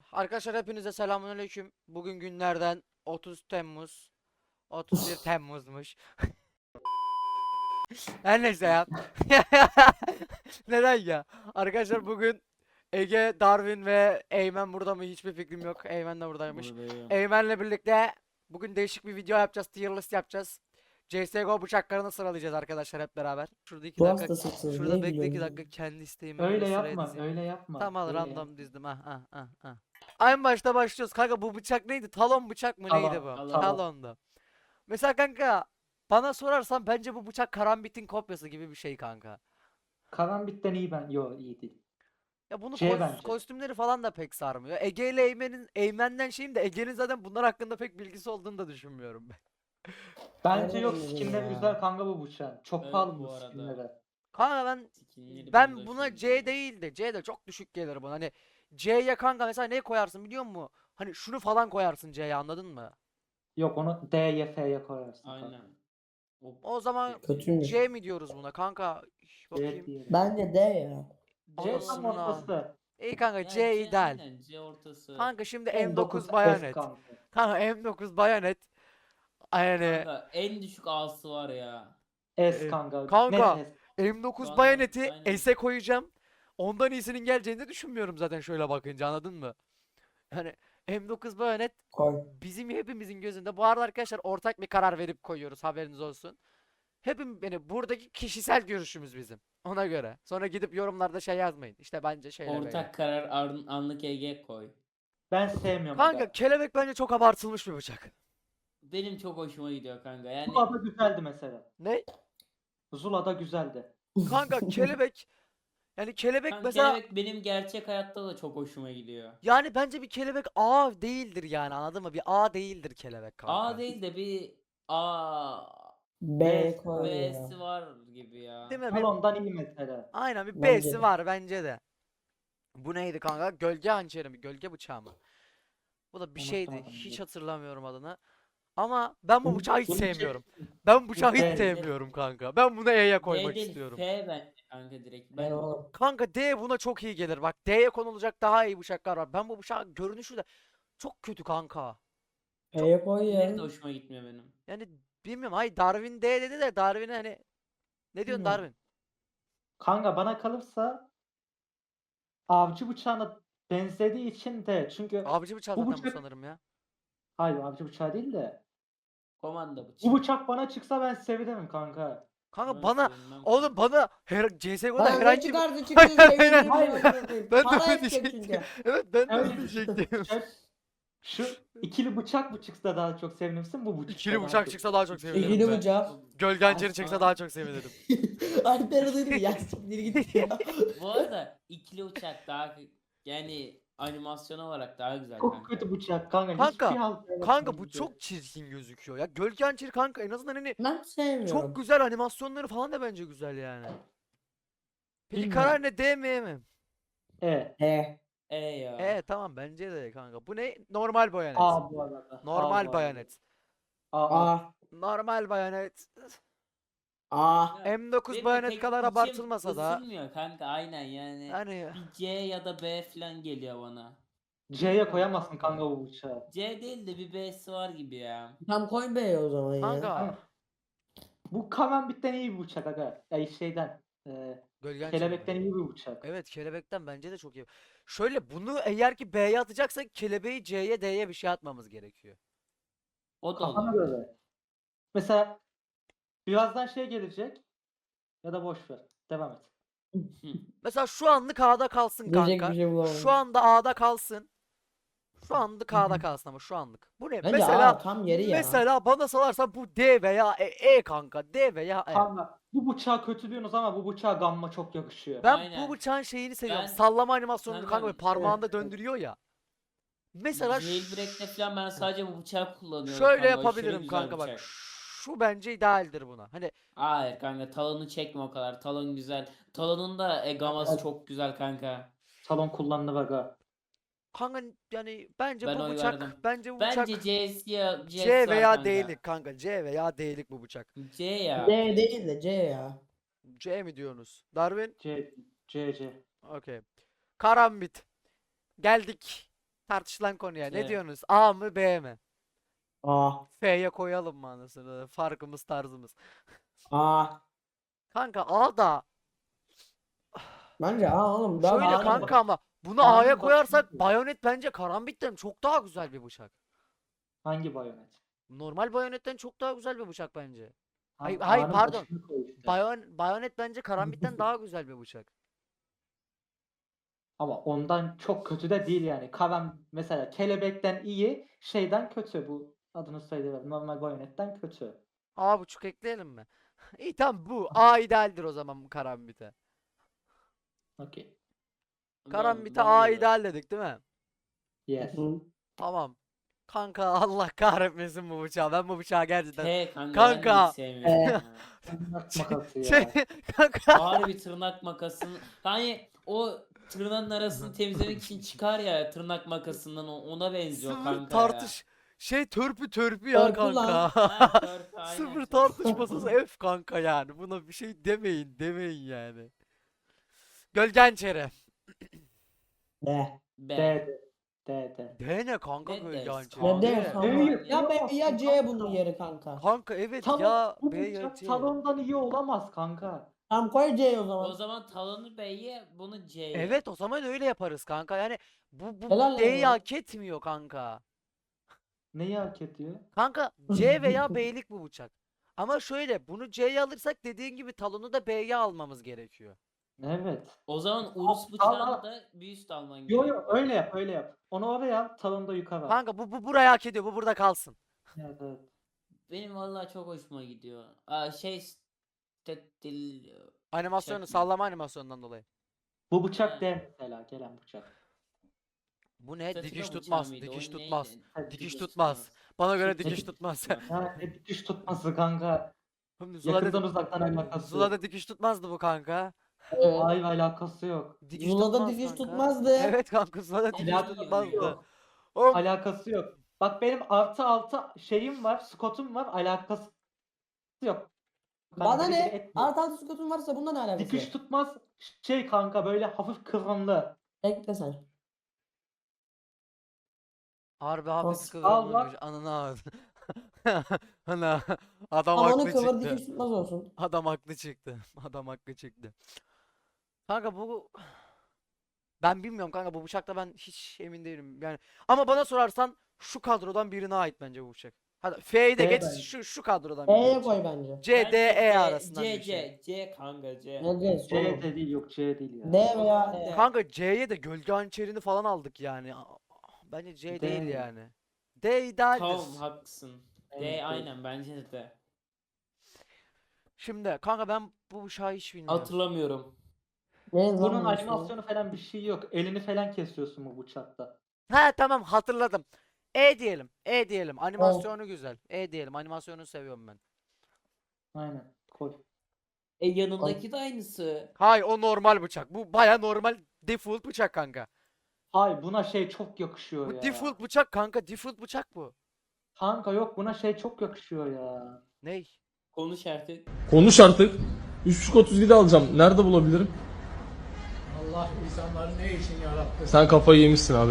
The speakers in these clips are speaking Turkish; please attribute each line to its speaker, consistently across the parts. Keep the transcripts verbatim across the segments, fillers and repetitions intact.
Speaker 1: Arkadaşlar hepinize selamünaleyküm. Bugün günlerden otuz Temmuz. otuz bir Temmuz'muş. Her neyse ya. Neden ya? Arkadaşlar bugün Ege, Darwin ve Eymen burada mı? Hiçbir fikrim yok. Eymen de buradaymış.
Speaker 2: Buradayım.
Speaker 1: Eymen'le birlikte bugün değişik bir video yapacağız. Tier list yapacağız. C S G O bıçaklarını sıralayacağız arkadaşlar hep beraber. Şurada iki
Speaker 3: Bu
Speaker 1: dakika.
Speaker 3: hastasısınız.
Speaker 1: Şurada
Speaker 3: Niye
Speaker 1: bekle iki
Speaker 3: gülüyorsunuz?
Speaker 1: dakika kendi isteğime göre
Speaker 4: Öyle
Speaker 1: sıraya
Speaker 4: yapma,
Speaker 1: dizeyim.
Speaker 4: öyle yapma.
Speaker 1: Tamam
Speaker 4: öyle
Speaker 1: random
Speaker 4: yapma.
Speaker 1: dizdim ha ha ha ha. En başta başlıyoruz. Kanka bu bıçak neydi? Talon bıçak mı
Speaker 4: Talon,
Speaker 1: neydi bu?
Speaker 2: talon.
Speaker 1: Talondu. Mesela kanka bana sorarsan bence bu bıçak Karambit'in kopyası gibi bir şey kanka.
Speaker 4: Karambit'ten iyi ben. Yo iyi değil.
Speaker 1: Ya bunu
Speaker 4: Şey
Speaker 1: kos-
Speaker 4: bence.
Speaker 1: kostümleri falan da pek sarmıyor. Ege ile Eymen'in Eymen'den şeyim de Ege'nin zaten bunlar hakkında pek bilgisi olduğunu da düşünmüyorum ben.
Speaker 4: Bence
Speaker 3: Aynen
Speaker 4: yok
Speaker 3: öyle
Speaker 4: skinleri
Speaker 3: ya.
Speaker 4: güzel kanka bu bıçağın. Çok
Speaker 2: Evet,
Speaker 4: pahalı
Speaker 2: bu
Speaker 4: bu
Speaker 2: arada.
Speaker 4: skinleri.
Speaker 1: Kanka ben
Speaker 2: Skinleri
Speaker 1: ben
Speaker 2: bunda
Speaker 1: buna
Speaker 2: hoşuma
Speaker 1: C
Speaker 2: gidiyor.
Speaker 1: değil de C de çok düşük gelir buna. Hani C'ye kanka mesela ne koyarsın biliyor musun? Hani şunu falan koyarsın C'ye, anladın mı?
Speaker 4: Yok onu D'ye F'ye koyarsın. kanka.
Speaker 2: Aynen. O
Speaker 1: O zaman
Speaker 3: Kötüymüş.
Speaker 1: C mi diyoruz buna kanka? Üf,
Speaker 4: C
Speaker 1: bakayım.
Speaker 4: diyelim.
Speaker 3: Bence de ya.
Speaker 4: C tam
Speaker 1: Anasını al.
Speaker 4: ortası.
Speaker 1: İyi kanka
Speaker 2: Ya
Speaker 1: C
Speaker 2: C
Speaker 1: ideal.
Speaker 2: aynen, C ortası.
Speaker 1: Kanka şimdi
Speaker 4: M
Speaker 1: M dokuz
Speaker 4: S
Speaker 1: bayonet.
Speaker 4: kanka.
Speaker 1: Kanka M dokuz bayonet. Yani
Speaker 2: Kanka en düşük A'sı var ya.
Speaker 4: S
Speaker 1: Ee,
Speaker 4: kanka.
Speaker 1: kanka,
Speaker 4: Net S.
Speaker 1: M dokuz
Speaker 2: Şu anda
Speaker 1: bayoneti
Speaker 2: aynen.
Speaker 1: S'e koyacağım. Ondan iyisinin geleceğini de düşünmüyorum zaten şöyle bakınca, anladın mı? Yani M dokuz bayonet
Speaker 3: Koy.
Speaker 1: bizim hepimizin gözünde. Bu arada arkadaşlar ortak bir karar verip koyuyoruz, haberiniz olsun. Hepim yani buradaki kişisel görüşümüz bizim. Ona göre. Sonra gidip yorumlarda şey yazmayın. İşte bence şöyle böyle.
Speaker 2: Ortak karar an- anlık Ege koy.
Speaker 4: Ben sevmiyorum.
Speaker 1: Kanka
Speaker 4: aga.
Speaker 1: kelebek bence çok abartılmış bir bıçak.
Speaker 2: Benim çok hoşuma gidiyor kanka. Yani
Speaker 4: Zula'da güzeldi mesela.
Speaker 1: Ne?
Speaker 4: Zula'da güzeldi.
Speaker 1: Kanka kelebek, yani kelebek
Speaker 2: kanka
Speaker 1: mesela
Speaker 2: kelebek benim gerçek hayatta da çok hoşuma gidiyor.
Speaker 1: yani bence bir kelebek A değildir yani, anladın mı? Bir A değildir kelebek kanka.
Speaker 2: A değil de bir A
Speaker 3: B koy ya.
Speaker 2: B'si var gibi ya.
Speaker 1: Değil mi? Bir,
Speaker 4: Talon'dan iyi mesela.
Speaker 1: aynen bir
Speaker 3: Bence
Speaker 1: B'si
Speaker 3: de.
Speaker 1: var bence de. Bu neydi kanka? Gölge hançeri mi? Gölge bıçağı mı? Bu da bir şeydi.
Speaker 4: Unuttum
Speaker 1: Hiç
Speaker 4: adını.
Speaker 1: hatırlamıyorum adını. Ama ben bu
Speaker 4: Bunu-
Speaker 1: bıçağı hiç
Speaker 4: bunu
Speaker 1: sevmiyorum.
Speaker 4: çek-
Speaker 1: Ben bu bıçağı hiç
Speaker 4: B.
Speaker 1: sevmiyorum kanka. Ben bunu E'ye
Speaker 2: D
Speaker 1: koymak
Speaker 2: değil
Speaker 1: istiyorum.
Speaker 2: F bence kanka direkt.
Speaker 3: Ben
Speaker 2: Ben
Speaker 3: oğlum.
Speaker 1: Kanka D buna çok iyi gelir. Bak D'ye konulacak daha iyi bıçaklar var. Ben bu bıçağın görünüşü de çok kötü kanka.
Speaker 3: E'ye koy ya.
Speaker 2: Diğeri de hoşuma gitmiyor benim.
Speaker 1: Yani bilmiyorum. Hayır, Darwin D dedi de Darwin'e hani ne diyorsun
Speaker 3: Bilmiyorum.
Speaker 1: Darwin?
Speaker 4: Kanka bana kalırsa avcı bıçağına benzediği için de çünkü
Speaker 1: Avcı bıçağı
Speaker 4: bu
Speaker 1: zaten bu
Speaker 4: bıçak
Speaker 1: sanırım ya.
Speaker 4: hayır avcı bıçağı değil de
Speaker 2: Komanda bıçağı.
Speaker 4: bu bıçak bana çıksa ben sevinirim kanka.
Speaker 1: Kanka
Speaker 2: Ben
Speaker 1: bana
Speaker 2: sevinmem
Speaker 1: oğlum
Speaker 2: kanka.
Speaker 1: bana her C S G O'da
Speaker 3: Lan ne
Speaker 1: herhangi bir
Speaker 3: çıkardı çıktı
Speaker 1: Hayır, hayır,
Speaker 3: sevinirim
Speaker 4: hayır.
Speaker 3: ya, amına koyayım.
Speaker 1: ben de
Speaker 3: Para
Speaker 1: onu
Speaker 3: edecek
Speaker 1: diyecektim.
Speaker 3: çünkü.
Speaker 1: Evet ben de
Speaker 4: Öyle
Speaker 1: onu diyecektim.
Speaker 4: Şu, şu ikili bıçak mı çıksa daha çok sevinirsin bu bıçak.
Speaker 1: İkili bıçak çıksa daha çok sevinirim
Speaker 3: İkili
Speaker 1: ben.
Speaker 3: bıçak.
Speaker 1: Gölge hançeri
Speaker 2: Asla.
Speaker 1: çıksa daha çok sevinirim.
Speaker 3: Alper duydu ya, siktir git ya.
Speaker 2: Bu arada ikili uçak daha yani animasyon olarak daha güzel
Speaker 4: Çok
Speaker 2: kanka.
Speaker 4: kötü bıçak kanka.
Speaker 1: Kanka,
Speaker 4: Hiçbir halt
Speaker 1: Kanka
Speaker 4: yaratmadı
Speaker 1: bu
Speaker 4: bize.
Speaker 1: çok çirkin gözüküyor ya. Gölge hançeri kanka en azından hani
Speaker 3: Ben sevmiyorum.
Speaker 1: çok güzel animasyonları falan da bence güzel yani. Peki
Speaker 4: Bilmiyorum.
Speaker 1: karar ne, D mi E mi?
Speaker 4: E.
Speaker 3: E.
Speaker 2: E ya.
Speaker 1: E tamam bence de kanka. Bu ne? Normal bayonet.
Speaker 4: A bu arada. A
Speaker 1: Normal
Speaker 4: bu arada.
Speaker 1: bayonet.
Speaker 4: A. A.
Speaker 3: A.
Speaker 1: Normal bayonet.
Speaker 3: A.
Speaker 2: Ya,
Speaker 1: M dokuz
Speaker 2: benim de
Speaker 1: bayonet
Speaker 2: pek
Speaker 1: kadar
Speaker 2: içim
Speaker 1: abartılmasa da
Speaker 2: ısınmıyor kanka aynen yani.
Speaker 1: hani
Speaker 2: Bir C ya da B falan geliyor bana.
Speaker 4: C'ye koyamazsın kanka bu bıçağı.
Speaker 2: C değil de bir B'si var gibi ya.
Speaker 3: Tam koy B'ye o zaman ya.
Speaker 1: kanka
Speaker 4: Kanka, bu Karambit'ten iyi bir bıçak aga. Ay şeyden. E,
Speaker 1: gölge hançeri
Speaker 4: kelebekten
Speaker 1: mi?
Speaker 4: iyi bir bıçak.
Speaker 1: Evet kelebekten bence de çok iyi. Şöyle bunu eğer ki B'ye atacaksak kelebeği C'ye D'ye bir şey atmamız gerekiyor.
Speaker 2: O da
Speaker 4: Kafana
Speaker 2: olur.
Speaker 4: göre. Mesela birazdan şey gelecek. Ya da boş ver. Devam et.
Speaker 1: Mesela şu anlık A'da kalsın
Speaker 3: Diyecek
Speaker 1: kanka.
Speaker 3: bir şey bulamadım.
Speaker 1: Şu anda A'da kalsın. Şu anlık A'da kalsın ama şu anlık. Bu ne?
Speaker 3: Bence
Speaker 1: mesela
Speaker 3: A tam yeri ya.
Speaker 1: mesela bana sorarsan bu D veya E, E kanka. D veya E.
Speaker 4: Kanka bu bıçağı kötü diyorsunuz ama bu bıçağa gamma çok yakışıyor.
Speaker 1: Ben
Speaker 2: Aynen.
Speaker 1: bu bıçağın şeyini seviyorum.
Speaker 2: Ben-
Speaker 1: Sallama animasyonunu
Speaker 2: Kanka,
Speaker 1: kanka böyle parmağında
Speaker 4: evet, evet.
Speaker 1: döndürüyor ya. Mesela ş-
Speaker 2: Jailbreak'te falan ben sadece bu bıçağı kullanıyorum
Speaker 1: şöyle
Speaker 2: kanka. Aşırı
Speaker 1: yapabilirim
Speaker 2: güzel
Speaker 1: kanka bak.
Speaker 2: bıçak.
Speaker 1: Şu bence idealdir buna. Hani
Speaker 2: Hayır kanka talonu çekme o kadar. Talon güzel. Talonun da e, gaması
Speaker 4: Evet.
Speaker 2: çok güzel kanka.
Speaker 4: Salon kullanılır aga.
Speaker 1: kanka yani bence
Speaker 2: Ben
Speaker 1: bu
Speaker 2: oy
Speaker 1: bıçak
Speaker 2: verdim.
Speaker 1: bence bu
Speaker 2: Bence
Speaker 1: bıçak
Speaker 2: C'si ya C'si
Speaker 1: C
Speaker 2: var
Speaker 1: veya
Speaker 2: kanka.
Speaker 1: D'lik kanka. C veya D'lik bu bıçak.
Speaker 2: C ya.
Speaker 3: D değil de C ya.
Speaker 1: C mi diyorsunuz? Darwin?
Speaker 4: C, C, C.
Speaker 1: Okey. Karambit. Geldik. Tartışılan konu ya. Ne
Speaker 2: Evet.
Speaker 1: diyorsunuz? A mı B mi?
Speaker 3: A.
Speaker 1: F'ye koyalım mı anasını? Farkımız tarzımız.
Speaker 3: A.
Speaker 1: Kanka A da
Speaker 3: Bence A oğlum. Daha
Speaker 1: şöyle
Speaker 3: A'nın
Speaker 1: kanka
Speaker 3: bak-
Speaker 1: ama bunu
Speaker 4: A'nın
Speaker 1: A'ya
Speaker 4: başını
Speaker 1: koyarsak
Speaker 4: koy.
Speaker 1: Bayonet bence Karambit'ten çok daha güzel bir bıçak.
Speaker 4: Hangi bayonet?
Speaker 1: Normal Bayonet'ten çok daha güzel bir bıçak bence. Hayır,
Speaker 4: Tamam,
Speaker 1: hayır,
Speaker 4: A'nın
Speaker 1: pardon.
Speaker 4: başını koy işte.
Speaker 1: Bayon, Bayonet bence Karambit'ten daha güzel bir bıçak.
Speaker 4: Ama ondan çok kötü de değil yani. Karan mesela kelebekten iyi, şeyden kötü. Bu adını söyleyeyim. Normal bayonetten kötü.
Speaker 1: A buçuk ekleyelim mi? İyi tamam bu. A idealdir o zaman bu Karambit'e.
Speaker 4: Okey.
Speaker 1: Karambit'e
Speaker 2: bana
Speaker 1: A
Speaker 2: göre.
Speaker 1: ideal dedik değil mi?
Speaker 4: Yes.
Speaker 3: Hı.
Speaker 1: Tamam. Kanka Allah kahretmesin bu bıçağı. Ben bu bıçağı gerçekten...
Speaker 2: He kanka, ben de
Speaker 1: Kanka.
Speaker 2: hiç sevmiyorum ya.
Speaker 4: Tırnak makası
Speaker 1: Şey,
Speaker 4: ya.
Speaker 1: kanka.
Speaker 2: Ağır bir tırnak makasını. Hani o tırnağın arasını temizlemek için çıkar ya tırnak makasından, o- ona benziyor
Speaker 1: Sıfır
Speaker 2: kanka
Speaker 1: tartış. Şey törpü törpü ya
Speaker 3: Törpü lan.
Speaker 1: kanka.
Speaker 2: ya. Ha, törpü, aynen,
Speaker 1: Sıfır
Speaker 2: törpü.
Speaker 1: tartışmasız F kanka yani. Buna bir şey demeyin demeyin yani. Gölgen çere.
Speaker 3: D.
Speaker 2: B.
Speaker 4: D. D. D.
Speaker 1: D ne kanka
Speaker 2: Ne
Speaker 1: gölgen
Speaker 2: dersin?
Speaker 1: çere?
Speaker 3: Ne
Speaker 2: Aa,
Speaker 3: D
Speaker 2: evet.
Speaker 3: kanka?
Speaker 4: Evet.
Speaker 3: Ya B ya C
Speaker 4: Kanka.
Speaker 3: bunun yeri kanka.
Speaker 1: Kanka evet
Speaker 4: Talon,
Speaker 1: ya
Speaker 4: bu
Speaker 1: B ya
Speaker 4: bıçak
Speaker 1: C.
Speaker 4: talondan iyi olamaz kanka.
Speaker 3: Tamam koy C'yi o
Speaker 2: O
Speaker 3: zaman.
Speaker 2: zaman talonu B'ye, bunu C'ye.
Speaker 1: Evet o zaman öyle yaparız kanka. Yani bu bu
Speaker 3: Helal lan
Speaker 1: D'yi
Speaker 3: oğlum.
Speaker 1: hak etmiyor kanka.
Speaker 4: Neyi hak ediyor?
Speaker 1: Kanka C veya B'lik bu bıçak. Ama şöyle bunu C'ye alırsak dediğin gibi talonu da B'ye almamız gerekiyor.
Speaker 4: Evet.
Speaker 2: O zaman Urus
Speaker 4: Al-
Speaker 2: bıçağını
Speaker 4: al-
Speaker 2: da bir üst alman
Speaker 4: Yo
Speaker 2: gerekiyor.
Speaker 4: yo öyle yap öyle yap. Onu oraya al, talonu da yukarı al.
Speaker 1: Kanka bu bu burayı hak ediyor. Bu burada kalsın.
Speaker 4: Evet, evet.
Speaker 2: Benim vallahi çok hoşuma gidiyor. Aa, şey Stettil
Speaker 1: Animasyonu
Speaker 2: Bıçak mı?
Speaker 1: sallama animasyonundan dolayı.
Speaker 4: Bu bıçak
Speaker 2: Ha.
Speaker 4: D mesela gelen bıçak.
Speaker 1: Bu ne?
Speaker 2: Statilo
Speaker 1: Dikiş
Speaker 2: bıçağı
Speaker 1: tutmaz.
Speaker 2: mıydı?
Speaker 1: Dikiş
Speaker 2: O
Speaker 1: tutmaz.
Speaker 2: neydi?
Speaker 4: Evet,
Speaker 1: Dikiş
Speaker 2: Dikiş
Speaker 1: tutmaz. Bana göre
Speaker 2: Dikiş
Speaker 1: dikiş tutmaz.
Speaker 2: tutmaz.
Speaker 4: Ha, ne dikiş tutması kanka.
Speaker 1: Şimdi
Speaker 4: Yakından
Speaker 1: Zula'da,
Speaker 4: uzaktan alakası
Speaker 1: Zula'da
Speaker 4: yok.
Speaker 1: dikiş tutmazdı bu kanka.
Speaker 3: Evet.
Speaker 4: Hayır alakası yok.
Speaker 1: Dikiş
Speaker 3: Zula'da
Speaker 1: tutmaz
Speaker 3: dikiş
Speaker 1: kanka.
Speaker 3: tutmazdı.
Speaker 1: Evet kanka Zula'da dikiş
Speaker 2: Alakası
Speaker 1: tutmazdı.
Speaker 2: yok.
Speaker 1: Oğlum
Speaker 4: Alakası yok. Bak benim artı altı şeyim var, skotum var, alakası yok. Kanka,
Speaker 3: Bana
Speaker 4: biri biri
Speaker 3: ne?
Speaker 4: etmiyor.
Speaker 3: Artı altı skotun varsa bundan ne alakası
Speaker 4: Dikiş
Speaker 3: var?
Speaker 4: tutmaz şey kanka böyle hafif kıvrımlı.
Speaker 3: Ekle sen.
Speaker 1: harbi hafif
Speaker 3: As-
Speaker 4: al
Speaker 1: kıvrımlıymış.
Speaker 4: bak.
Speaker 1: Ananı ağzı. Ana adam
Speaker 3: Ama onu
Speaker 1: haklı
Speaker 3: kıvır
Speaker 1: çıktı.
Speaker 3: dikiş tutmaz olsun.
Speaker 1: Adam haklı çıktı. Adam haklı çıktı. Kanka bu ben bilmiyorum kanka bu bıçakta ben hiç emin değilim. Yani ama bana sorarsan şu kadrodan birine ait bence bu bıçak. Hadi F'yi de
Speaker 4: D
Speaker 1: geç
Speaker 4: bence.
Speaker 1: şu şu kadrodan
Speaker 3: E'ye
Speaker 1: birine.
Speaker 3: koy bence.
Speaker 1: C, D,
Speaker 2: Bence
Speaker 1: E
Speaker 2: C,
Speaker 1: arasından
Speaker 2: C,
Speaker 1: bir şey.
Speaker 2: C, C kanka C.
Speaker 3: Ne C?
Speaker 4: C
Speaker 3: oğlum?
Speaker 4: de değil yok C değil ya.
Speaker 3: D
Speaker 2: O
Speaker 3: veya
Speaker 2: zaman
Speaker 3: E.
Speaker 2: D.
Speaker 1: Kanka C'ye de gölge hançerini falan aldık yani. Aa, bence C
Speaker 4: D.
Speaker 1: değil yani. D idealdir.
Speaker 2: Tamam, haklısın.
Speaker 4: Evet,
Speaker 2: D
Speaker 4: evet.
Speaker 2: aynen, bence de D.
Speaker 1: Şimdi kanka ben bu bıçağı hiç bilmiyorum.
Speaker 2: Hatırlamıyorum.
Speaker 3: Ne lan
Speaker 4: Bunun
Speaker 3: bu ismi?
Speaker 4: animasyonu falan bir şey yok. Elini falan kesiyorsun bu bıçakta.
Speaker 1: Ha tamam hatırladım. E diyelim. E diyelim. Animasyonu güzel. E diyelim. Animasyonu seviyorum ben.
Speaker 4: Aynen. Koy.
Speaker 2: E yanındaki de aynısı.
Speaker 1: Hayır o normal bıçak. Bu baya normal default bıçak kanka.
Speaker 4: Hayır buna şey çok yakışıyor
Speaker 1: Bu
Speaker 4: ya.
Speaker 1: default bıçak kanka. Default bıçak bu.
Speaker 4: Kanka yok buna şey çok yakışıyor ya.
Speaker 1: Ney?
Speaker 2: Konuş artık.
Speaker 5: Konuş artık. üç buçuk otuz yedi alacağım. Nerede bulabilirim?
Speaker 6: Allah insanları ne için yarattı?
Speaker 5: Sen kafayı yemişsin abi.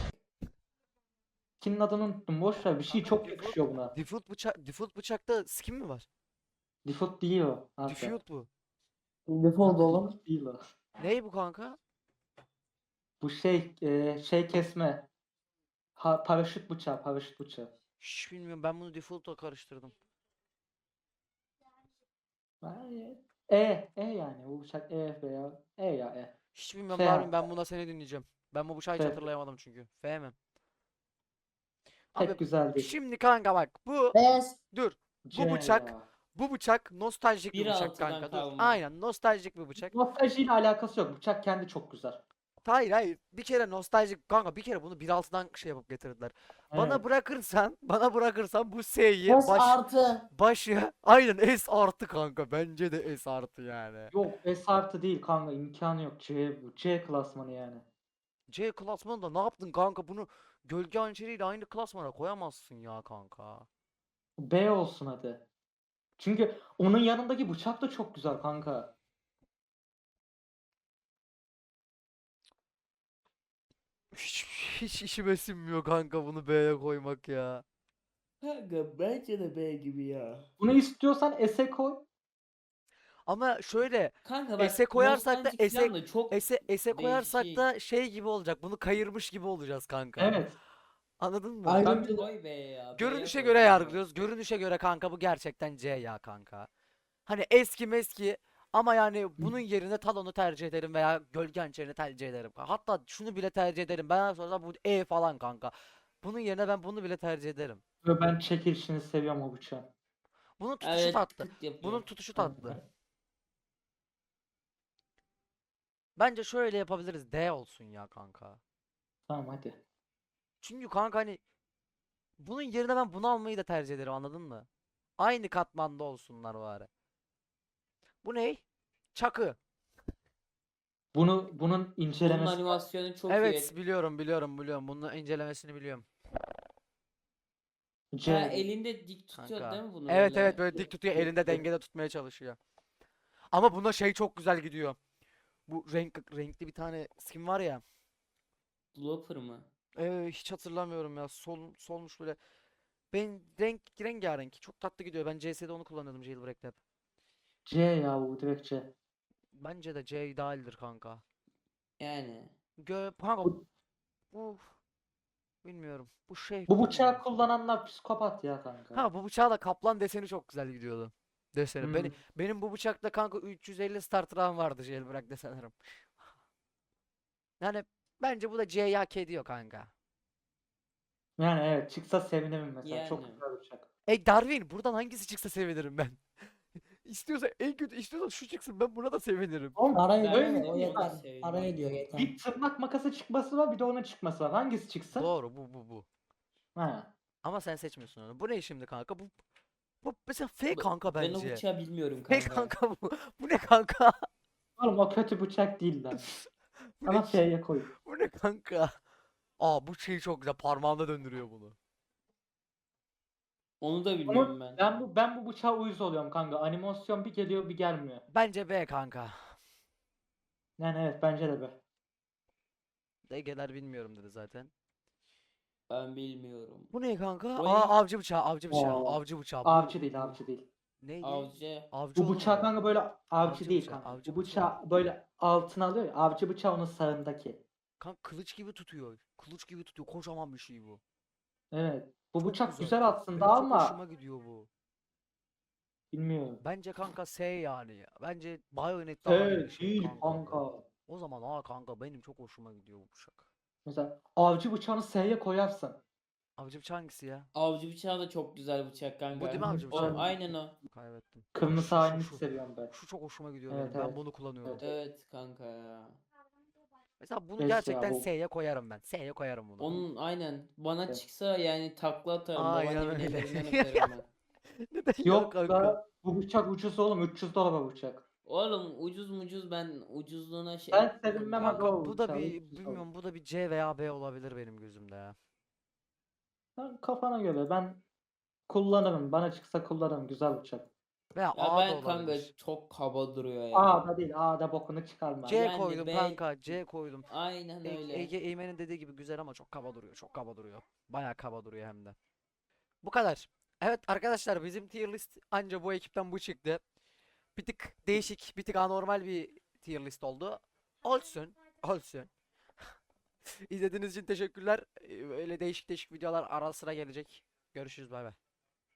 Speaker 4: Kimin adını unuttum boş ver bir şey çok yakışıyor buna.
Speaker 1: Default bıçak default bıçakta skin mi var?
Speaker 4: Default değil o. Abi.
Speaker 1: Default bu.
Speaker 3: Default oğlum.
Speaker 4: Default değil o.
Speaker 1: Ney bu kanka?
Speaker 4: Bu şey e, şey kesme. Ha, paraşüt bıçağı paraşüt bıçağı.
Speaker 1: Hiç bilmiyorum ben bunu default'la karıştırdım.
Speaker 4: Hayır. E, E yani bu bıçak E veya E ya E.
Speaker 1: Hiç bilmiyorum
Speaker 4: F
Speaker 1: Darwin
Speaker 4: harfi.
Speaker 1: ben buna seni dinleyeceğim. Ben bu bıçağı hiç
Speaker 4: F.
Speaker 1: hatırlayamadım çünkü. F mi?
Speaker 4: Pek
Speaker 1: Abi
Speaker 4: güzel değil.
Speaker 1: şimdi kanka bak bu
Speaker 3: Beyaz.
Speaker 1: dur.
Speaker 4: C
Speaker 1: bıçak-
Speaker 4: ya.
Speaker 1: Bu bıçak nostaljik bir
Speaker 2: Bir
Speaker 1: bıçak
Speaker 2: altıdan
Speaker 1: kanka. Dur.
Speaker 2: kalma.
Speaker 1: Aynen nostaljik bir bıçak.
Speaker 4: Nostaljiyle alakası yok. Bıçak kendi çok güzel.
Speaker 1: Hayır hayır. Bir kere nostaljik kanka bir kere bunu bir altıdan şey yapıp getirdiler. Bana
Speaker 4: Evet.
Speaker 1: bırakırsan, bana bırakırsan bu S'yi
Speaker 3: S
Speaker 1: baş,
Speaker 3: artı.
Speaker 1: başı aynen S artı kanka. Bence de S artı yani.
Speaker 4: Yok S artı değil kanka imkanı yok. C bu. C klasmanı yani.
Speaker 1: C klasmanında ne yaptın kanka? Bunu gölge hançeriyle aynı klasmana koyamazsın ya kanka.
Speaker 4: B olsun hadi. Çünkü onun yanındaki bıçak da çok güzel kanka.
Speaker 1: Hiç, hiç işime sinmiyor kanka bunu B'ye koymak ya.
Speaker 2: Kanka bence de B gibi ya.
Speaker 4: Bunu istiyorsan S'e koy.
Speaker 1: Ama şöyle
Speaker 2: Kanka bak
Speaker 1: S'e koyarsak da
Speaker 2: nostaljik
Speaker 1: S'e
Speaker 2: falan da çok
Speaker 1: S'e S'e koyarsak
Speaker 2: değişik.
Speaker 1: da şey gibi olacak. Bunu kayırmış gibi olacağız kanka.
Speaker 4: Evet.
Speaker 1: Anladın mı?
Speaker 3: Ayrı-
Speaker 4: Ben
Speaker 2: Kanka
Speaker 3: Ayrıntılı-
Speaker 2: koy B'ye ya. B'ye
Speaker 1: Görünüşe
Speaker 2: koy
Speaker 1: göre
Speaker 2: kanka.
Speaker 1: yargılıyoruz. Görünüşe göre kanka bu gerçekten C ya kanka. Hani eski meski ama yani bunun yerine Talon'u tercih ederim veya Gölge Hançeri'ni tercih ederim. Hatta şunu bile tercih ederim. Ben sonra bu E falan kanka. Bunun yerine ben bunu bile tercih ederim.
Speaker 4: Ve ben çekilişini seviyorum o bıçağın.
Speaker 1: Bunun tutuşu
Speaker 2: Evet
Speaker 1: tatlı.
Speaker 2: tık yapıyor.
Speaker 1: Bunun tutuşu tatlı. Bence şöyle yapabiliriz. D olsun ya kanka.
Speaker 4: Tamam hadi.
Speaker 1: Çünkü kanka hani bunun yerine ben bunu almayı da tercih ederim anladın mı? Aynı katmanda olsunlar bari. Bu ne? Çakı.
Speaker 4: Bunu bunun
Speaker 2: Bunun
Speaker 4: incelemesi
Speaker 2: animasyonu çok
Speaker 1: Evet
Speaker 2: iyi.
Speaker 1: biliyorum biliyorum biliyorum. Bunun incelemesini biliyorum.
Speaker 4: C.
Speaker 2: Ha, elinde dik tutuyor
Speaker 1: Kanka.
Speaker 2: değil mi bunu
Speaker 1: Evet
Speaker 2: böyle?
Speaker 1: evet böyle dik tutuyor elinde dengede tutmaya çalışıyor. Ama buna şey çok güzel gidiyor. Bu renk renkli bir tane skin var ya.
Speaker 2: Blooper mı?
Speaker 1: Ee, hiç hatırlamıyorum ya. Sol solmuş böyle. Ben renk rengarenk çok tatlı gidiyor. Ben C S'de onu kullanıyordum Jailbreak'te hep.
Speaker 4: C ya bu direkt C.
Speaker 1: Bence de C idealdir kanka.
Speaker 2: Yani.
Speaker 1: Gö kanka
Speaker 4: Bu,
Speaker 1: bu bilmiyorum. Bu şey
Speaker 4: bu bıçağı
Speaker 1: bilmiyorum.
Speaker 4: kullananlar psikopat ya kanka.
Speaker 1: Ha bu bıçağa da kaplan deseni çok güzel gidiyordu. Deseni.
Speaker 4: Hmm.
Speaker 1: Beni, benim bu bıçakta kanka üç yüz elli starter'ım vardı Jailbreak desenlerim. Yani bence bu da C'yi hak ediyor kanka.
Speaker 4: Yani evet çıksa sevinirim mesela. Çok
Speaker 2: Yani.
Speaker 4: güzel bıçak.
Speaker 1: Ey Darwin buradan hangisi çıksa sevinirim ben. İstiyorsa en kötü istiyorsa şu çıksın ben buna da sevinirim.
Speaker 4: Oğlum
Speaker 3: Araya
Speaker 2: Ben
Speaker 3: ediyor
Speaker 4: öyle
Speaker 3: ya, o
Speaker 4: değil mi?
Speaker 3: yeter.
Speaker 2: Bak, sevdim.
Speaker 3: Araya ediyor yeter.
Speaker 4: Bir tırnak makası çıkması var bir de onun çıkması var. Hangisi çıksın?
Speaker 1: Doğru bu bu bu.
Speaker 4: Ha.
Speaker 1: Ama sen seçmiyorsun onu. Bu ne şimdi kanka? Bu bu mesela F
Speaker 2: Bu-
Speaker 1: kanka
Speaker 2: Ben o
Speaker 1: bence.
Speaker 2: bıçağı bilmiyorum
Speaker 1: F
Speaker 2: kanka.
Speaker 1: kanka bu. Bu ne kanka?
Speaker 4: Oğlum o kötü bıçak değil lan.
Speaker 1: Bu
Speaker 4: Ama
Speaker 1: ne,
Speaker 4: F'ye koy.
Speaker 1: bu ne kanka? Aa bu şey çok güzel. Parmağında döndürüyor bunu.
Speaker 2: Onu da
Speaker 4: Ama
Speaker 2: bilmiyorum ben.
Speaker 4: ben bu ben bu bıçağa uyuz oluyorum kanka. Animasyon bir geliyor bir gelmiyor.
Speaker 1: Bence B kanka.
Speaker 4: Yani evet bence de be.
Speaker 1: Degeler bilmiyorum dedi zaten.
Speaker 2: Ben bilmiyorum.
Speaker 1: Bu ne kanka?
Speaker 2: O
Speaker 1: Aa
Speaker 2: ne?
Speaker 1: avcı bıçağı, avcı bıçağı,
Speaker 4: Oo.
Speaker 1: avcı bıçağı. Bu,
Speaker 4: Avcı değil
Speaker 1: bu
Speaker 4: avcı değil.
Speaker 1: neydi?
Speaker 2: Avcı.
Speaker 1: Avcı
Speaker 4: Bu
Speaker 1: oğlum
Speaker 4: bıçak
Speaker 1: bu.
Speaker 4: kanka böyle avcı,
Speaker 1: Avcı
Speaker 4: değil
Speaker 1: bıçağı,
Speaker 4: kanka.
Speaker 1: avcı
Speaker 4: Bu bıçağı böyle altına alıyor ya. Avcı bıçağı onun sağındaki.
Speaker 1: Kanka kılıç gibi tutuyor. Kılıç gibi tutuyor. Kocaman bir şey bu.
Speaker 4: Evet. Bu
Speaker 1: Çok
Speaker 4: bıçak
Speaker 1: güzel.
Speaker 4: güzel aslında
Speaker 1: Benim çok
Speaker 4: ama
Speaker 1: hoşuma gidiyor bu.
Speaker 4: bilmiyorum.
Speaker 1: Bence kanka S yani ya. Bence Bayonet daha iyi bir
Speaker 4: Evet
Speaker 1: şey
Speaker 4: değil
Speaker 1: kanka.
Speaker 4: kanka.
Speaker 1: O zaman aa kanka benim çok hoşuma gidiyor bu bıçak.
Speaker 4: Mesela avcı bıçağını S'ye koyarsın.
Speaker 1: Avcı bıçağı hangisi ya?
Speaker 2: Avcı bıçağı da çok güzel bıçak kanka.
Speaker 1: Bu değil mi avcı
Speaker 2: O
Speaker 1: bıçağı?
Speaker 2: aynen o.
Speaker 1: Kaybettim.
Speaker 4: Kırmızı
Speaker 1: Şu- şu-
Speaker 4: halini
Speaker 1: şu-
Speaker 4: seviyorum ben.
Speaker 1: Şu çok hoşuma gidiyor
Speaker 4: Evet,
Speaker 1: benim. Ben
Speaker 4: evet.
Speaker 1: bunu kullanıyorum.
Speaker 4: Evet.
Speaker 2: Evet kanka ya.
Speaker 1: Mesela bunu
Speaker 4: Neyse ya,
Speaker 1: gerçekten
Speaker 4: bu-
Speaker 1: S'ye koyarım ben. S'ye koyarım bunu.
Speaker 2: Onun aynen bana
Speaker 4: Evet.
Speaker 2: çıksa yani takla atarım.
Speaker 1: Aynen
Speaker 2: Babaannemin
Speaker 1: öyle.
Speaker 2: ellerinden öperim ben.
Speaker 1: Neden ya
Speaker 4: Yok
Speaker 1: kanka?
Speaker 4: da bu bıçak ucuz oğlum. üç yüz dolar bu bıçak.
Speaker 2: Oğlum ucuz mucuz ben ucuzluğuna şey
Speaker 4: Ben sevinmem
Speaker 2: Kanka,
Speaker 4: aga o
Speaker 1: Bu da
Speaker 4: bıçağı,
Speaker 1: bir
Speaker 4: üç yüz dolar.
Speaker 1: bilmiyorum bu da bir C veya B olabilir benim gözümde ya.
Speaker 4: Sen kafana göre ben kullanırım. Bana çıksa kullanırım. Güzel bıçak.
Speaker 1: Veya
Speaker 2: Ya
Speaker 1: A da
Speaker 2: ben kanka
Speaker 1: olabilir.
Speaker 2: çok kaba duruyor ya.
Speaker 4: A'da değil. A'da bokunu çıkarma.
Speaker 1: C
Speaker 2: Yani
Speaker 1: koydum
Speaker 2: B-
Speaker 1: kanka. C koydum.
Speaker 2: Aynen
Speaker 1: E-
Speaker 2: öyle.
Speaker 1: Ege Eymen'in dediği gibi güzel ama çok kaba duruyor. Çok kaba duruyor. Bayağı kaba duruyor hem de. Bu kadar. Evet arkadaşlar bizim tier list anca bu ekipten bu çıktı. Bir tık değişik, bir tık anormal bir tier list oldu. Olsun. Olsun. İzlediğiniz için teşekkürler. Ee, Öyle değişik değişik videolar ara sıra gelecek. Görüşürüz bay bay.